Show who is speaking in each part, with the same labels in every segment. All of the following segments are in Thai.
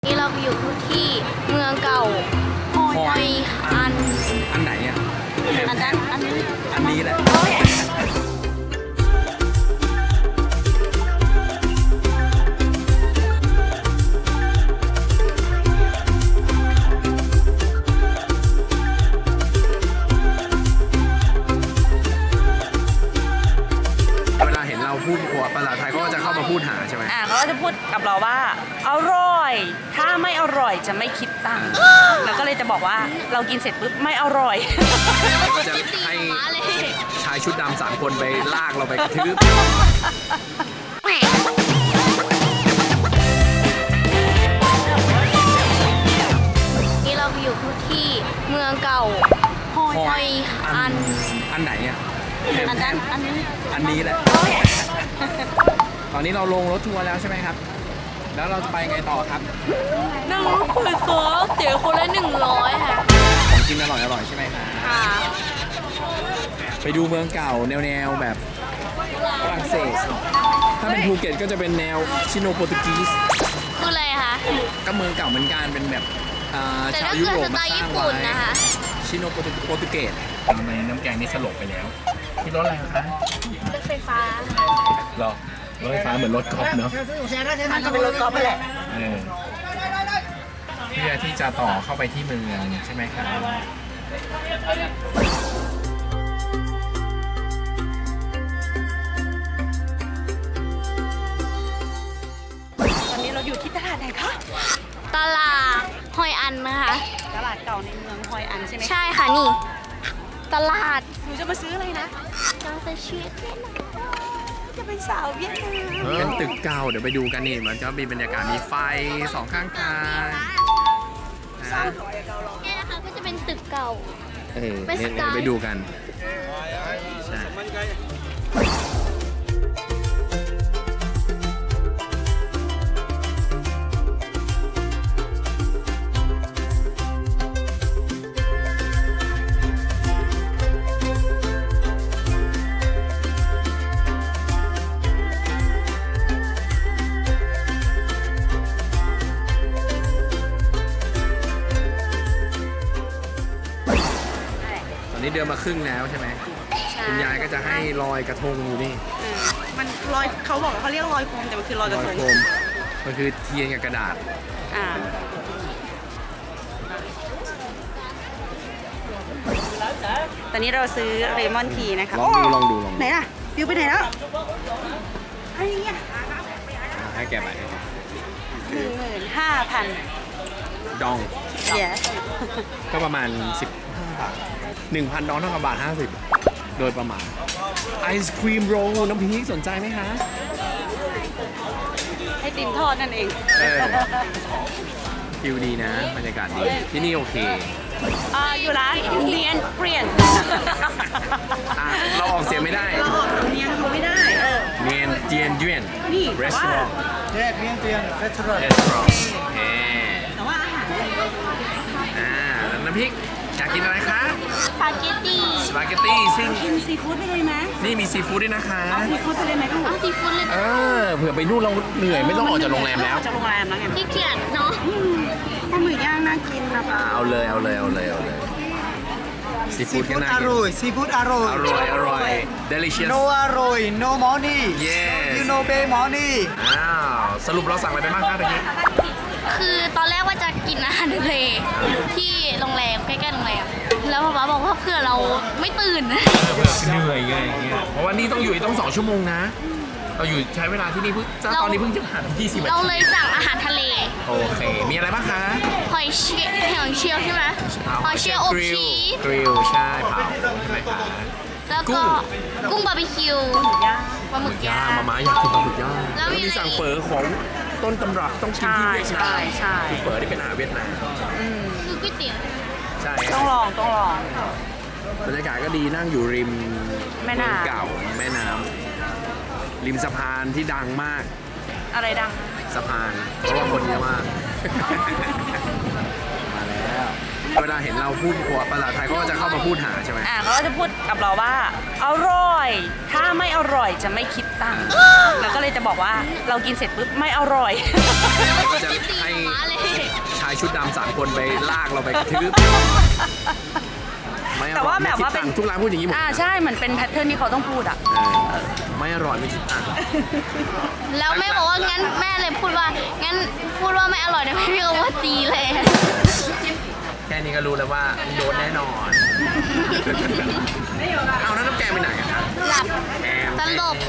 Speaker 1: นี่เราอยู่ที่เมืองเก่าฮอยอัน
Speaker 2: ไหนอ่ะ
Speaker 1: อันนั้นอัน
Speaker 2: นี้แหละเวลาเห็นเราพูดภาษาไทยเขาก็จะเข้ามาพูดหาใช่ไหม
Speaker 3: เขาก็จะพูดกับเราว่าอร่อยถ้าไม่อร่อยจะไม่คิดตังค์เราก็เลยจะบอกว่าเรากินเสร็จปุ๊บไม่อร่อย
Speaker 2: ก็จะให้ชายชุดดำ3 คนไปลากเราไปกระทืบ
Speaker 1: นี่เราอยู่ที่เมืองเก่าฮอยอัน
Speaker 2: ไหนอ่ะ
Speaker 1: อันนั้นอันนี้
Speaker 2: แหละตอนนี้เราลงรถทัวร์แล้วใช่ไหมครับแล้วเราจะไปไงต่อครับ
Speaker 1: นั่งรถไฟฟ้าเสียคนละ100ค่ะ
Speaker 2: ของกินอร่อยใช่ไหมคะไปดูเมืองเก่าแนวแบบฝรั่งเศสถ้าเป็นภูเก็ตก็จะเป็นแนวชิโนโปรตุกีส
Speaker 1: คืออะไรคะ
Speaker 2: ก็เมืองเก่าเหมือนกันเป็นแบบชาวยุโรปมาสร้างไว้ชิโนโปรตุเกสทำไมน้ำแกงนี่สลบไปแล้วที่รถอะไรคะ
Speaker 1: รถไฟฟ้า
Speaker 2: หรอรถไฟฟ้าเหมือนรถกอล์ฟเนาะ
Speaker 3: มันก็เป็นรถกอล์ฟไปแหละ
Speaker 2: เพื่อที่จะต่อเข้าไปที่เมืองใช่ไหมครับ
Speaker 3: ตอนนี้เราอยู่ที่ตลาดไหนคะ
Speaker 1: ตลาดฮอยอันนะคะ
Speaker 3: ตลาดเก่าในเมืองฮอยอันใช่ไหม
Speaker 1: ใช่ค่ะนี่ตลาด
Speaker 3: หนูจะมาซื้ออะไรนะ
Speaker 1: เราจะชีวิต
Speaker 3: จะเป็นสาวเวียดนาม
Speaker 2: เป็นตึกเก่าเดี๋ยวไปดูกันนี่มันจะมีบรรยากาศมีไฟ2 ข้างทาง
Speaker 1: นี่นะคะก็จะเป็นตึกเก่า
Speaker 2: ไปดูกันใช่นี่เดินมาครึ่งแล้วใช่ไหมคุณยายก็จะให้ลอยกระทงอยู่นี่
Speaker 3: มันลอยเขาบอกเขาเรียกลอยโคมแต่มันคือลอยกระทง
Speaker 2: มันคือเทียนกับกระดาษ
Speaker 3: ตอนนี้เราซื้อเลมอนทีนะคะ
Speaker 2: ลองดู
Speaker 3: ไหนล่ะฟิวไปไหนแล้วให้เนี่ย
Speaker 2: ให้แกไป
Speaker 3: 15,000
Speaker 2: ดอง
Speaker 3: yes
Speaker 2: ก็ประมาณ15 บาท 1,000 ดองเท่ากับบาท 50โดยประมาณไอศครีมโรลน้ำพริกสนใจไหมคะ
Speaker 3: ให้ติมทอดนั่นเอง
Speaker 2: ฟิลดีนะบรรยากาศดีที่นี่โอเค
Speaker 3: อยู่ร้านเนียนเปลี่ยน
Speaker 2: เราออกเสียงไม่ได้
Speaker 3: เราออกเนียนเขาไม่ได้
Speaker 2: เนียนเจียนเจียน
Speaker 3: นี่
Speaker 2: ร้าน
Speaker 4: เนียนเจียนร้าน
Speaker 3: แต่ว่าอาหาร
Speaker 2: น้ำพริกอยากกินอะไรคะ
Speaker 1: สปาเกต
Speaker 2: ตี้ซึ่ง
Speaker 3: กินซีฟู้ดไปเลยไหม
Speaker 2: นี่มีซีฟู้ดด้วยนะคะ
Speaker 3: ซีฟู้ดไปเลยไหมลูก
Speaker 1: ซีฟู้ดเลย
Speaker 2: เผื่อไปนู่นเราเหนื่อยไม่ต้องออกจากโรงแรมแล้ว
Speaker 3: จากโรงแรมแล้วไง
Speaker 1: ที่เกียดเนาะ
Speaker 3: ปลาหมึกย่างน่ากินนะ
Speaker 2: เอาเลยซีฟู้ดก็น่ากิน
Speaker 4: ซีฟู้ดอร่อย
Speaker 2: delicious
Speaker 4: no อร่อย no money
Speaker 2: yes
Speaker 4: you no pay money
Speaker 2: สรุปเราสั่งอะไรไปบ้างครับตอนนี้
Speaker 1: คือตอนแรกว่าจะกินอาหารทะเลที่โรงแรมใกล้ๆโรงแรมแล้วป๊าบอกว่าเพื่อเราไม่ตื่น
Speaker 2: เหนื่อยไงเพราะว่านี่ต้องอยู่ต้อง2 ชั่วโมงนะเราอยู่ใช้เวลาที่นี่ตอนนี้เพิ่งจะผ่าน20 นาที
Speaker 1: เราเลยสั่งอาหารทะเล
Speaker 2: โอเคมีอะไรบ้างคะ
Speaker 1: หอยเชลล์ใช่ไหมหอยเชลล์อบชีส
Speaker 2: กริลใช่เผาใช่ไหมคะ
Speaker 1: แล้วก็กุ้งบาร์บีคิวปลาหมึกย่าง
Speaker 2: มาอยากกินปลาหมึกย่างแล้วมีสั่งเฝอของต้นตำรับต้องกินที่เวียดนามคือเฝอที่เป็นอาหารเวียดนาม
Speaker 1: คือก๋วยเตี๋ยว
Speaker 2: ใช่
Speaker 3: ต้องลอง
Speaker 2: บรรยากาศก็ดีนั่งอยู่ริมแม่น้ำเก่าแม่น้ำริมสะพานที่ดังมาก
Speaker 3: อะไรดัง
Speaker 2: สะพานเพราะว่าคนเยอะมากมาแล้วเวลาเห็นเราพูดภาษาไทยเขาก็จะเข้ามาพูดหาใช่ไหม
Speaker 3: เขาก็จะพูดกับเราว่าอร่อยถ้าไม่อร่อยจะไม่คิดตังค์แล้วก็เลยจะบอกว่าเรากินเสร็จปุ๊บไม่อร่อย
Speaker 2: ก็จะให้
Speaker 1: มาเลย
Speaker 2: ชายชุดดำ3 คนไปลากเราไปกระทืบไม่อร่อย
Speaker 3: แต่ว่าแบบว่าเป็น
Speaker 2: ไม่คิดตังค์ทุกร้านพูดอย่างนี้หมด
Speaker 3: ใช่เหมือนเป็นแพทเทิร์นที่เขาต้องพูดอ่ะ
Speaker 2: ไม่อร่อยไม่คิดตังค์
Speaker 1: แล้วแม่บอกว่างั้นแม่เลยพูดว่างั้นพูดว่าไม่อร่อยนะพี่ก็ว่าตีเลย
Speaker 2: แค่นี้ก็รู้แล้วว่าโดนแน่นอนเอาแล้วน้ำแกงไปไหนอะครับ
Speaker 1: หลับ
Speaker 2: แกง
Speaker 1: ตลบ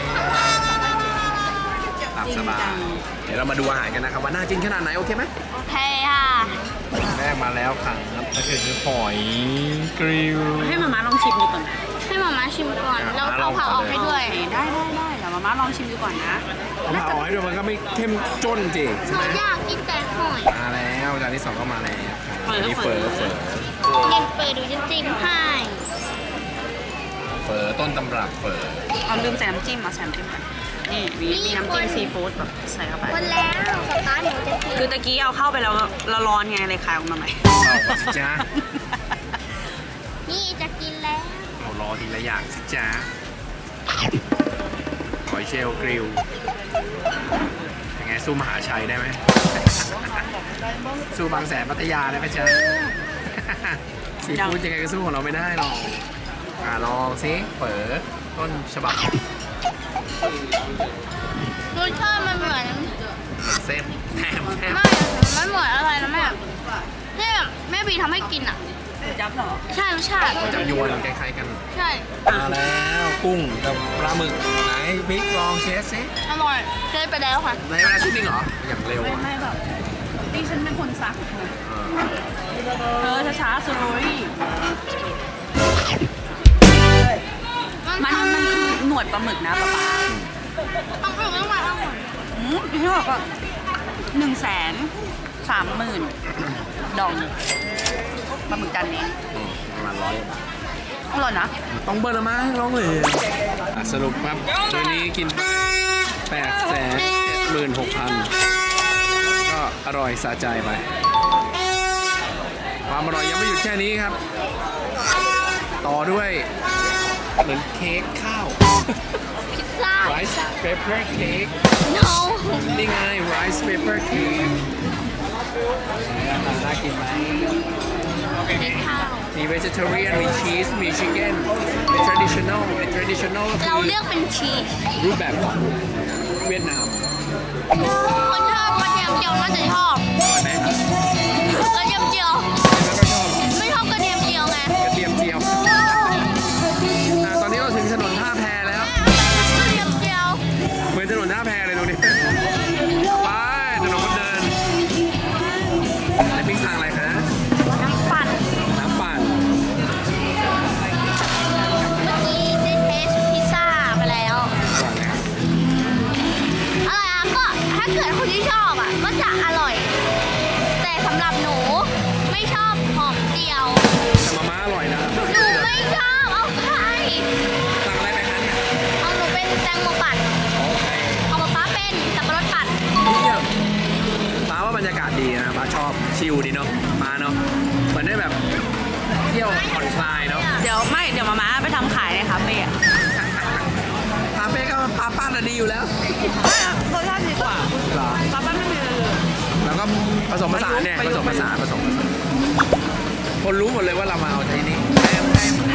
Speaker 2: หลับสบายเดี๋ยวเรามาดูอาหารกันนะครับว่าน่ากินขนาดไหนโอเคไหม
Speaker 1: โอเคค่ะ
Speaker 2: แรกมาแล้วครับก็คือหอยกริล
Speaker 3: ให้มาม่าลองชิมดูก่อนนะ
Speaker 1: ให้หมาม่าชิมก่อน แล้วเอาผักออกให้ด้วย
Speaker 3: ได้เดี๋ยวมาม่าลองชิมดูก่อนนะ
Speaker 2: ผมเอาให้ด้วยมันก็ไม่เข้มจ้นจริง
Speaker 1: หนูอยากกินแต่หอย
Speaker 2: มาแล้วจานที่2ก็มาแล้วครับอันนี้เฟอร์
Speaker 1: เย็นเปิดดูจะจิ้มให้
Speaker 2: ต้นตำรับเฟอร์
Speaker 3: เอาลืมใส่น้ำจิ้มมาใส่น้ำจิ้มกันนี่มีน้ำจิ้มซีฟู้ดแบบใส่เข้าไป
Speaker 1: คนแล้วสตาร์ทหนูจะกิน
Speaker 3: คือตะกี้เอาเข้าไปแล้วร้อนไงเลยคายออกมาใหม่
Speaker 2: เอาสิจ้า
Speaker 1: นี่จะกินแล้ว
Speaker 2: เรารอทีละอย่างสิจ้าหอยเชลล์กริลยังไงสู้มหาชัยได้ไหม สู้บางแสนพัทยาได้ไหมจ๊ะ ซีฟู้ดยังไงก็สู้ของเราไม่ได้หรอกลองสิเฝอต้นฉบับ
Speaker 1: รสชาติมันเหมือน
Speaker 2: เส้นแฮม
Speaker 1: ไม่มันเหมือนอะไรนะแม่ที่แบบแม่บีทำให้กินอ่ะ
Speaker 3: จับเหรอ
Speaker 1: ใช่รสชาติ
Speaker 2: จับยวนคล้ายๆกัน
Speaker 1: ใช่
Speaker 2: มาแล้วกุ้งกับปลาหมึกไหนพริกลองเชสสิ
Speaker 1: อร่อยเคยไปแล้วค่ะ
Speaker 2: ในเวลาชุดนึงเหรอ อย่างเร็วอะ
Speaker 3: ไม่แบบนี่ฉันเป็นคนซักช้าๆสโลรี่มันคือหนวดปลาหมึกนะป๊าป๊า
Speaker 1: ต้องไปต้องมาต้องหมด
Speaker 3: อยู่ที่บอกว่า130,000ดองปลาหมึกจานนี้
Speaker 2: ประมาณ100
Speaker 3: อร่อยนะ
Speaker 2: ต้องเบิร์ละมั้งร้องเลยสรุปครับวันนี้กิน 876,000 ก็อร่อยสะใจไป ความอร่อยยังไม่หยุดแค่นี้ครับ ต่อด้วยเหมือนเค้กข้าว
Speaker 1: พิซซ่า
Speaker 2: rice paper cake
Speaker 1: no
Speaker 2: นี่ไง rice paper cake น่ากินไหม
Speaker 1: ข้าว
Speaker 2: มี vegetarian มี cheese มี chicken มี traditional มี traditional ก็
Speaker 1: เรา
Speaker 2: คือ
Speaker 1: เลือกเป็นชีส
Speaker 2: รูปแบบของเวียดนาม
Speaker 1: คนชอบกระเทียมเจียวน่าจะชอบ
Speaker 2: ไหมครับ
Speaker 1: กระเทียมเจียว
Speaker 2: แล้วก็ชอบ
Speaker 1: ไม่ชอบกระเทียมเจียวไง
Speaker 2: กระเทียมเจียวตอนนี้เราถึงถนนท่าแพแล้ว
Speaker 1: กระเทียมเจียว
Speaker 2: เหมือนถนนท่าแพเลยตรงนี้ ไปถนนคนเดินแล้วปิ๊กสั่งอะไรคะ
Speaker 1: น้ำปั่น
Speaker 2: น้ำปั่น
Speaker 1: เมื่อกี้ได้เทสพิซซ่าไปแล้ว
Speaker 2: อร่อยไหมครับ
Speaker 1: อะไรอ่ะก็ถ้าเกิดคนที่ชอบอ่ะก็จะอร่อย แต่สำหรับหนูไม่ชอบหอมเจียว
Speaker 2: แต่มาม่าอร่อยนะ
Speaker 1: หนูไม่ชอบเอาใคร
Speaker 2: สั่งอะไรไปคะเนี่ย
Speaker 1: เอาหนูเป็นแตงโมปั่น
Speaker 2: โอเค
Speaker 1: เอาป๊าเป็นสับปะรดปั่น
Speaker 2: เยี่ยมป้าว่าบรรยากาศดีนะป้าชอบชิลดีเนาะมาเนาะเหมือนได้แบบเที่ยวผ่อนคลายเนาะ
Speaker 3: เดี๋ยวมาม่าไปทำขายในคาเฟ่อะ
Speaker 2: คาเฟ่ก็ป้าป้าน่ะดีอยู่แล้ว
Speaker 3: รสชาติดีกว่า
Speaker 2: เหรอ
Speaker 3: ป๊าป้าไม่มีเลย
Speaker 2: แล้วก็ผสมผสานเนี่ยผสมผสานคนรู้หมดเลยว่าเรามาเอาที่นี่
Speaker 3: แหม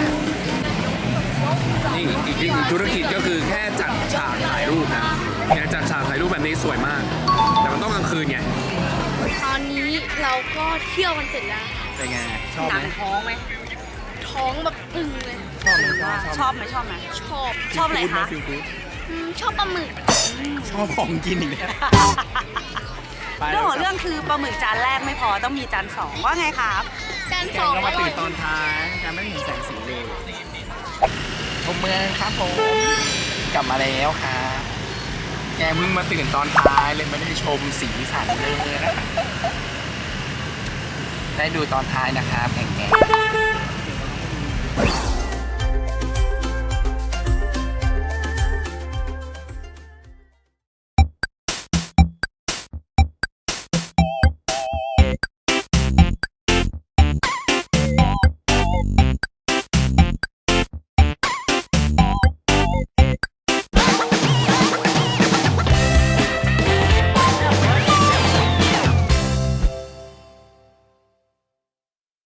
Speaker 2: นี่อีกธุรกิจก็คือแค่จัดฉากถ่ายรูปนะเนี่ยจัดฉากถ่ายรูปแบบนี้สวยมาก แต่มันต้องกลางคืนไง
Speaker 1: ตอนนี้เราก็เที่ยวกันเสร็จแล้ว
Speaker 2: เป็นไงชอบ
Speaker 3: หนั
Speaker 2: ไหม
Speaker 3: งท้องไหม
Speaker 1: ท้องแบบอึงเลย
Speaker 3: ชอบไหม
Speaker 1: ชอบ
Speaker 3: ชอบอะไรคะ
Speaker 2: ฟิลกู๊ด
Speaker 1: ชอบปลาหมึก
Speaker 2: ชอบของกินอีกแล้ว
Speaker 3: เรื่องของเรื่องคือปลาหมึกจานแรกไม่พอต้องมีจานสองว่าไงครับ
Speaker 1: จาน
Speaker 2: แก
Speaker 1: สอง ง
Speaker 2: ก็
Speaker 1: อ
Speaker 2: มา
Speaker 1: ร่
Speaker 2: ตื่
Speaker 1: อน ย
Speaker 2: ตอนท้ายการไม่เห็นแสงสีเลยชมเมืองครับผมกลับมาแล้วครับแกเพิ่งมาตื่นตอนท้ายเลยไม่ได้ชมสีสันเลยนะได้ดูตอนท้ายนะครับแก